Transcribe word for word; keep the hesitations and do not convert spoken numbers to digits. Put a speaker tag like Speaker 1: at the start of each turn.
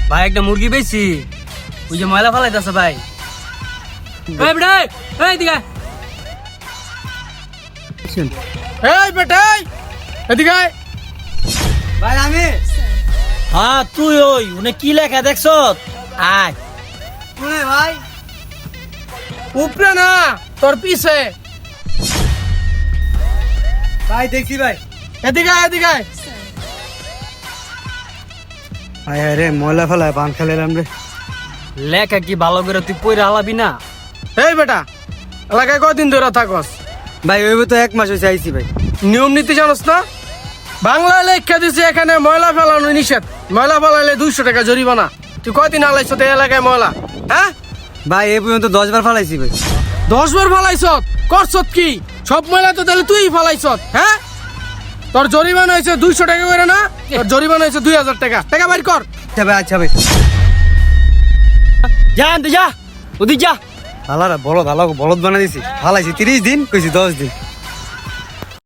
Speaker 1: ভাই একটা মুরগি বেশি ওই যে ময়লা ফেলাইতেছে ভাই। এই বেটা এই দিকে
Speaker 2: এই বেটাই এদিকে আয়।
Speaker 1: ভাই আমি
Speaker 3: হ্যাঁ তুই ওই উনি কি লেখা দেখছ আয়
Speaker 1: শুনে ভাই
Speaker 2: উপরে না তোর পিছে।
Speaker 1: ভাই দেখছি ভাই।
Speaker 2: এদিকে আয়, এদিকে আয়।
Speaker 1: আয় রে ময়লা ফেলায় পান খেলাম রে। লেখা কি ভালো করে তুই পয়রা হালাবি না?
Speaker 2: এই বেটা এলাকায় কদিন ধরে থাকস?
Speaker 1: ভাই ওই তো এক মাস হয়েছে আইছি ভাই।
Speaker 2: নিয়ম নীতি জানোস না? বাংলা লেখা দিছে এখানে ময়লা ফেলানো নিষেধ। ময়লা ফেলাইলে দুইশো টাকা জরিমানা। তুই কদিন আলাইছ তো এলাকায় ময়লা? হ্যাঁ
Speaker 1: ভাই এই পর্যন্ত দশ বার ফালাইছি ভাই।
Speaker 2: দশ বার ফালাইছ? করছত কি? সব ময়লা তো তাহলে তুই ফালাইছ? হ্যাঁ তোর জরিমানা হয়েছে দুইশো টাকা করে না? তোর জরিমানা হয়েছে দুই হাজার টাকা। টাকা বাইর কর।
Speaker 1: আচ্ছা ভাই আচ্ছা ভাই।
Speaker 3: যা আনতে যা ওদিক যা।
Speaker 1: হালারা বলদ হালা বলদ বানা দিছি। ফালাইছি তিরিশ দিন কইছি দশ দিন।